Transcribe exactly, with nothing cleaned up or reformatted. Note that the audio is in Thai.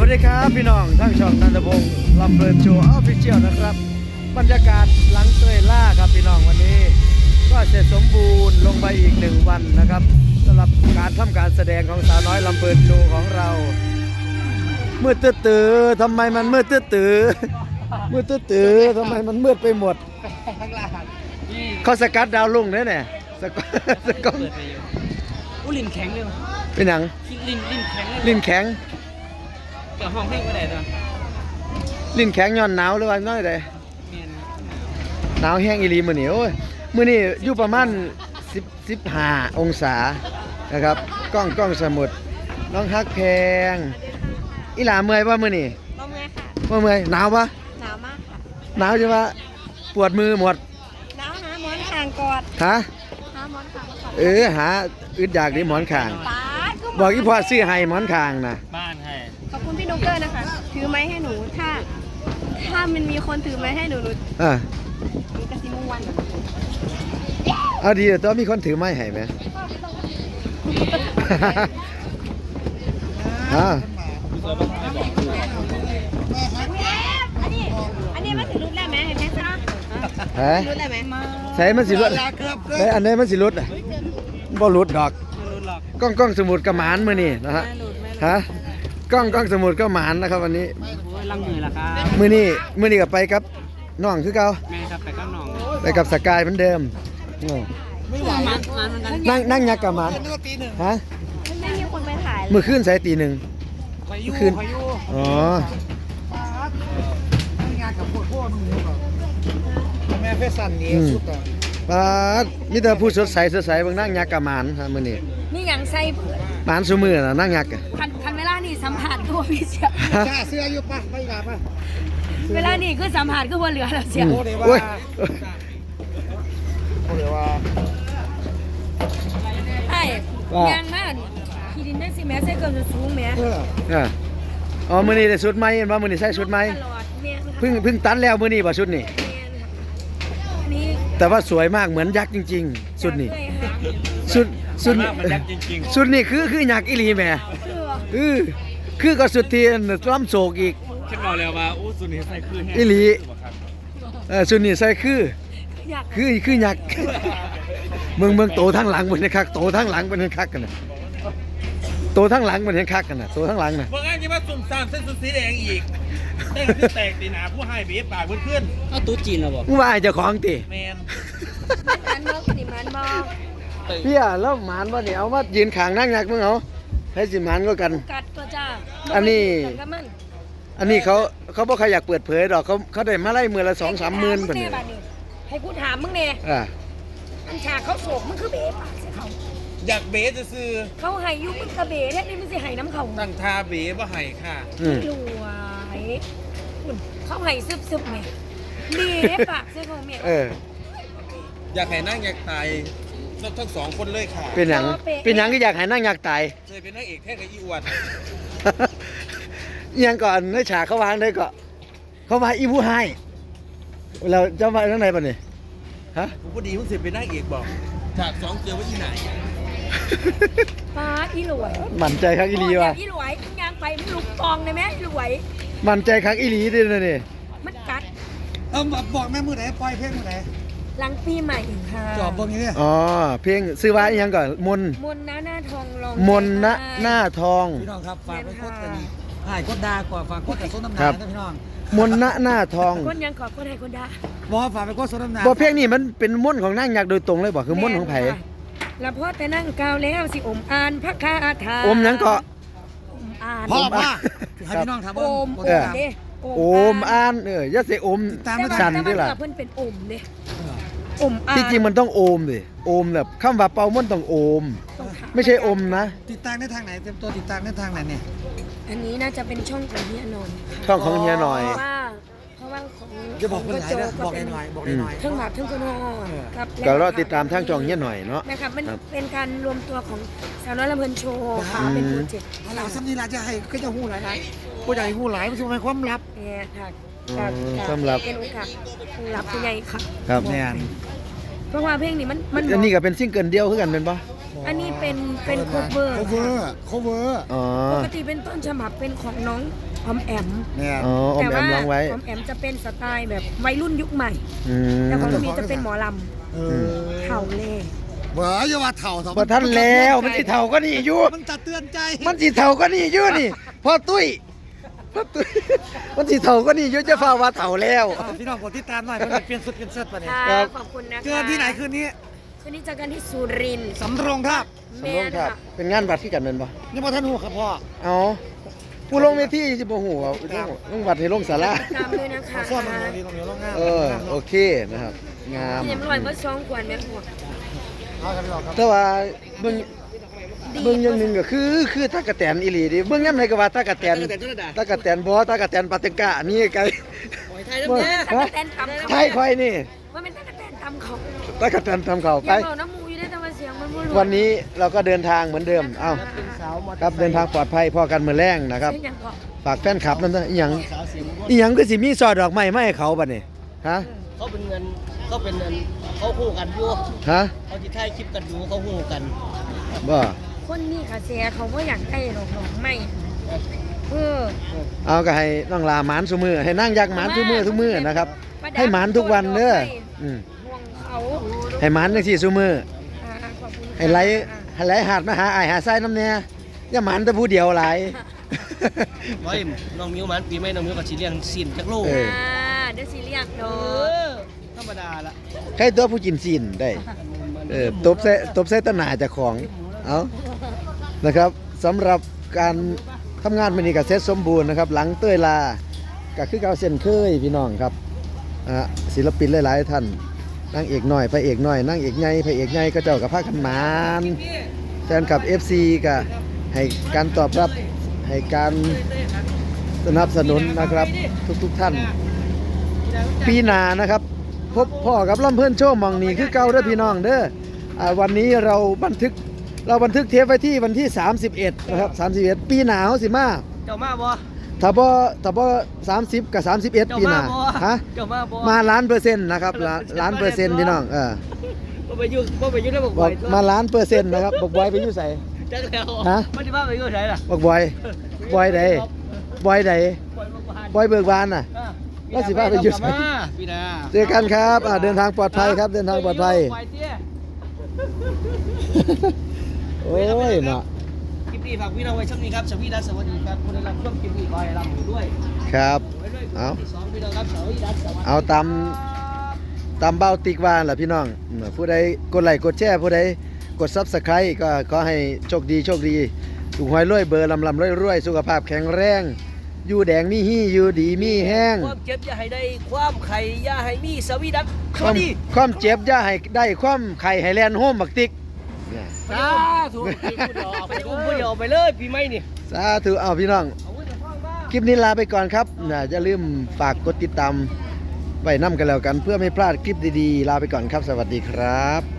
วัสดีครับพี่น้องทั้งช่องนันทพงศ์ลำเพลินโชว์ออฟฟิเชียลนะครับบรรยากาศหลังเตยล่าครับพี่น้องวันนี้ก็เสร็จสมบูรณ์ลงไปอีกหนึ่งวันนะครับสำหรับการทำการแสดงของสาวน้อยลำเพลินโชว์ของเรามืดตื้อๆทำไมมันมืดตื้อๆมืดตื้อๆทำไมมันมืดไปหมดเขาสกัดดาวลุ่งเนี่ยเนี่ยสกัดสกัดอุ้ลิ้นแข็งเลยเป็นหนังลิ้นลิ้นแข็งเลยลิ้นแข็งเกี่ยวห้องเพลงก็ได้ตัวลิ้นแข็งย้อนหนาวหรือว่าน้อยใดเมียนหนาวแห้งอีหลีมื้อนี้โอ้ยมื้อนี้อยู่ประมาณสิบ สิบห้าองศานะครับกล้องกล้องสมุดน้องฮักแพงอีหลาเมื่อยป่ะมื้อนี้ลมไงค่ะบ่เมื่อยหนาวป่ะหนาวมากค่ะหนาวจังว่าปวดมือหมดหนาวหาหมอนข้างกอดฮะหาหมอนข้างกอดเออหาอึดอยากดิหมอนข้างป้าก็บอกอีพ่อซื้อให้หมอนข้างน่ะบ้านให้ขอบคุณพี่นุ๊กเกอร์นะคะ ถือไม้ให้หนู ถ้า ถ้ามันมีคนถือไม้ให้หนูหนูอ่ะหนูกระซิบวันเอาดีแต่ต้องมีคนถือไม้ให้ไหม อ่าอันนี้ อันนี้มันถือรุดแล้วไหมเห็นไหมคะฮะรุดแล้วไหมใส่มันสิรุดใส่อันไหนมันสิรุดอ่ะบ่รุดดอกไม่รู้หรอกกล้องกล้องสมุดกระหมานมื้อนี้นะฮะฮะกล้องกล้องสมุดก็หมานนะครับวันนี้โอ้ยลังมือละครับมื้อนี้มื้อนี้ก็ไปกับน้องคือเก่าแม่ครับไปข้างนอกไปกับสกายเหมือนเดิมโอ้ไม่ไหวมันมันมันนั่งนั่งยักษ์กระหมานฮะมันไม่มีคนไปถ่ายเลยมื้อคืนใส่ตีหนึ่งพายุคืนพายุอ๋อแม่เพชรสันนี่สุดอ่ะปาดมีแต่ผู้สดใสสดใสเบิ่งนั่งยักษ์กระหมานฮะมื้อนี้นี่ยังใส่เผื่อหมานซุมื้อน่ะนั่งยักษ์อะคันคันเวลานี่สัมผัสก็พี่เสียจ้าเสื้ออยู่ปะไม่หลาปะเวลานี่คือสัมผัสก็ว่าเหลือแล้วเสียอืมโอ้เดี๋ยวโอ้ว่าย โอ้เดี๋ยวว่าใช่ว่ายางมากขี่ดินได้สิแม่ใส่เกินจะสูงแม่เอออ่ะอ๋อมื้อนี้ได้ชุดใหม่เห็นบ่มื้อนี้ใส่ชุดใหม่ตลอดแม่เพิ่งเพิ่งตัดแล้วมื้อนี้บ่ชุดนี้นี่แต่ว่าสวยมากเหมือนยักษ์จริงๆชุดนี้เคยค่ะชุดชุดมันยักษ์จริงชุดนี้คือคือยักษ์อีหลีแหม่คือเออคือก็สุดที่ล้ำโศกอีกๆคิดบอกแล้วว่าอู้สุนีใส่คืนแห้งอีหลีเออชุดนี้ใส่คืออยากคือคือยักษ์ เมืองเมืองโตทั้งหลังเป็นคักโตทั้งหลังเป็นคักกันน่ะโตทั้งหลังเป็นคักกันน่ะโตทั้งหลังน่ะเมื่อไงจะมาสุ่มสามเส้นสุดสีแดงอีกได้คือแตกตีหนาผู้ให้เบียปากเพื่อนๆเอาตู้จีนแล้วบอกมึงว่าไอ้เจ้าของติแมนมันมองนี่มันมองเพี่ยแล้วหมานบ่เนี่ยเอามายืนข้างนั่งยักษ์มึงเอาให้สิหมานก็กันกัดตัวจ้าอันนี้กับมันอันนี้เขาเขาบ่ใครอยากเปิดเผยดอกเขาเขาได้มาไล่มือละสองสามหมื่นเป็เพิ่นนนี่ให้กูถามมึงเนี่ยอ่าอันฉากเขาโศกมึงคือเบ๋ปากใส่เขาอยากเบสจะซื้อเขาให้ยุมึงกระเบ๋แท้นี่มึงสิให้น้ำเขาตั้งทาเบสว่าให้ค่ะอืมรวยคุณเขาให้ซึบซึบๆแม่ดีได้ปากใส่เขาแม่เอออยากให้นั่งอยากตายทั้งสองคนเลยค่ะเป็นหยังเป็นหยังที่อยากให้นั่งอยากตายเคยเป็นนางเอกแท้กับอีอวดอิหยังก่อนในฉากเขาวางได้ก็เขาว่าอีผู้ให้เราจะมาทางไหนป่ะนี่ฮะผมพอดีเพิ่งเสร็จเป็นนางเอกบอกฉากสองเจอว่าที่ไหนปาอีรวยมั่นใจครั้งอีหลีว่ะอีรวยมึงยางไปมึงลุกตองเลยไหมอีรวยมั่นใจครั้งอีหลีด้วยนะนี่มันกัดเออบอกแม่มือไหนปล่อยเพลงมือไหนหลังปีใหม่ค่ะจอบเบิ่งอย่างนี้อ๋อเพลงซื้อว่าอีหยังก่อนมนมนต์นะหน้าทองลองมนณหน้าทองพี่น้องครับฝากไปโคตรกันหายโคตรดากว่าฝากโคตรแต่ส้นน้ำหครันาบนะพี่น้องมนณหน้าทองคนยังขอคนให้คนด่าบอกว่าฝากไปโคตรส้นน้ำหนาบ่เพลงนี้มันเป็นมนต์ของนางยักษ์โดยตรงเลยบ่คือมนต์ของไผแล้วพอแต่นั่งกาวแล้วสิอมอ่านพระคาถาอมหยังก็อมอ่านพ่อผมมาอ่ะให้พี่น้องถามโอเบิ่งมบ่โอได้มถามเด้โอมอ่านเอออย่าสิอมตามแต่ไม่ว่าทันสั่นแต่ด้วยว่าล่ะเพิ่นเป็นอมเด้อมอ่านที่จริงมันต้องโอมดิโอมแบบคำว่าเป่ามนต์ต้องโอมต้องถาไม่ใช่อมนะติดตามได้ทางไหนเต็มตัวติดตามได้ทางไหนเนี่ยอันนี้น่าจะเป็นช่องของเฮียนนท์ค่ะช่องของเฮียหน่อยเพราะว่าเพราะว่าของจะบอกคนไหนโจนะบอกเป็หน่อยบอกหน่อยเทั้งหมากเทั้งคนฮอครับก็รอติดตามทางช่องเฮียหน่อยเนาะนะครับมันครับเป็นการรวมตัวของสาวน้อยลำเพลินโชว์ค่ะเป็นโปรเจกต์เอาล่ะซ้ำนี่ล่ะจะให้ก็จะหู้หลายหลายผู้ใหญ่หู้หลายมันจะเป็นความลับเนี่ยค่ะอืมค่ะสำหรับเป็นโอกาสรับผู้ใหญ่ค่ะครับแน่นเพราะว่าเพลงนี้มันมันอันนี้ก็เป็นซิงเกิลเดียวคือกันเป็นปะอันนี้เป็นเป็นโคเวอร์โคเวอร์โคเวอร์อ๋อปกติเป็นต้นฉบับเป็นของน้องออมแอมเนี่ยอ๋ออมแต่แอว่ามร้องไว้ออมแอมจะเป็นสไตล์แบบวัยรุ่นยุคใหม่อืมแต่ของน้องมีจะเป็นหมอลเออำเข่าเล่เว้ยอย่าว่าเถ่าเถ่าบ่ทันแล้วมันสิเฒ่าก็นี่อยู่มันจะเตือนใจมันสิเฒ่าก็นี่อยู่นี่พ่อตุ้ยพ่อตุ้ยมันสิเฒ่าก็นี่อยู่จะฟ้าว่าเฒ่าแล้วอ่าพี่น้องกดติดตามหน่อยมันเปลี่ยนสุดเปลี่ยนเสื้อปะเนี่ยค่ะครับขอบคุณนะคะเจอที่ไหนคืนนี้คืนนี้เจอกันที่สุรินทร์สำโรงครับสำโรงครับเป็นงานวัดที่กันแม่นบ่ยังบ่ทันหูครับพ่อเอาผู้ลงเวทีสิบ่ฮู้ว่าลงวัดให้ลงศาลาตามด้วยนะคะขอซ่อนตรงนี้ตรงนี้ตรงงานเออโอเคนะครับงามที่ยังลอยเมื่อสองขวดแม่หัวเอาครับพี่น้องครับแต่ว่าเบิ่งเบิ่งอย่างหนึงก็คือคือตากะแตนอีหลีดิเบิ่งยามไหนก็ว่าตากะแตนตากะแตนบ่ตากะแตนปาเต็งกะนี่ไกลไทยน้ำเนื้อตะกะแตนตำเขาไทยค่อยนี่ว่าเป็นตะกะแตนตำเขาตากะแตนทำเข้าอไปย่าบอกน้ำมูอยู่ได้แต่ว่าเสียงมันบ่รู้วันนี้เราก็เดินทางเหมือนเดิม เอ้าครับเดินทางปลอดภัยพอกันมื้อแรงนะครับเสียงอย่างเกาะฝากแฟนคลับนั่นนะอีหยังอีหยังคือสิมีซอดดอกไม้มาให้เขาบัดนี้ฮะเขาเป็นเงินเขาเป็นเงินเขาคู่กันอยู่ฮะเขาที่ถ่ายคลิปกันอยู่เขาคู่กันบ่คนนี้ค่ะเสียเขาว่าอยากได้หรอกหรอกไม่เออเอาก็ให้น้องลาหมานซุมือให้นั่งยักหมานซุมือทุกมื้อนะครับ ให้หมานทุกวันเด้ออืมห่วงเขาให้หมานจังซี่ซุมืออ่าขอบคุณค่ะให้ไหลให้ไหลหาดมาหาอ้ายหาทรายน้ำแน่อย่าหมานแต่ผู้เดียวหลายไว้น้องมิวมันปีใหม่น้องมิวกับชีเลี้ยงสินจักโลเอออ่าเดี๋ยวสิเรียกโดเอน อธรรมดาละใครตัวผู้กินซีนได้ เออตบใส่ตบใส่ตะหนาเจ้าของ เอานะครับสำหรับการทำงานมื้อนี้ก็เสร็จสมบูรณ์นะครับ หลังเต้ยลาก็คือเก่าเส้นเคยพี่น้องครับอ่ะศิลปินหลายๆท่านนางเอกน้อยพระเอกน้อยนางเอกใหญ่พระเอกใหญ่ก็เจ้ากับพากันหมานแฟนคลับ เอฟ ซี ก็ให้การตอบรับให้การสนับสนุนนะครับทุกๆท่าน ปีหน้านะครับ พบพ่อกับลำเพิ่นโชว์หมองนี้คือเก่าเด้อพี่น้องเด้ออ่าวันนี้เราบันทึกเราบันทึกเทปไว้ที่วันที่ สามสิบเอ็ด นะครับ สามสิบเอ็ด ปีหน้าเฮาสิมาเจ้ามาบ่ถ้าบ่ถ้าบ่สามสิบกับสามสิบเอ็ดเจ้าปีหมาน้าบ่ฮะเจ้ามาบ่มาล้านเปอร์เซ็นต์นะครับล้านล้านเปอร์เซ็นต์พี่น้องเออบ่ไปอยู่บ่ไปอยู่แล้วบอกบอกมาล้านเปอร์เซ็นต์นะครับบอกบอยไปอยู่ไสจักแล้วฮะมันสิว่าไปอยู่ไสล่ะบอกบอยบอยใดบอยใดปล่อยบ่ผ่านบอยเบิกบานน่ะอ่ะแล้วสิว่าไปอยู่ไสมาพี่นาเจอกันครับอ่าเดินทางปลอดภัยครับเดินทางปลอดภัยไปเตี้ยโอ้ยเนาะคลิปนี้ฝากพี่น้องไว้ช่วงนี้ครับสวัสดีครับสวัสดีครับคนได้รับชมคลิปนี้ขอให้รับมือด้วยครับไว้ด้วยเอาที่สองพี่น้องครับสวัสดีครับสวัสดีเอาตามตามเบ้าติ๊กว่าล่ะพี่น้องอืมผู้ใดกดไลค์กดแชร์ผู้ใดกด Subscribe ก็ขอให้โชคดีโชคดีถูกหวยรวยเบอร์ลำลำรวยรวยสุขภาพแข็งแรง อยู่แดงมีฮี่อยู่ดีมีแห้งความเจ็บอย่าให้ได้ความไข่อย่าให้มีสวีดัสสควาวัมสดีความเจ็บอย่าให้ได้ความไข่ให้แลนโฮมบักติ๊กเนี่ยสาธุไปอุ้มผู้เดียวไปเลยปีใหม่นี่สาธุเอาพี่น้องเอาไว้จะฟังบ้างคลิปนี้ลาไปก่อนครับนะอย่าลืมฝากกดติดตามไว้นํกันแล้วกัน เพื่อไม่พลาดคลิปดีๆ ลาไปก่อนครับ สวัสดีครับ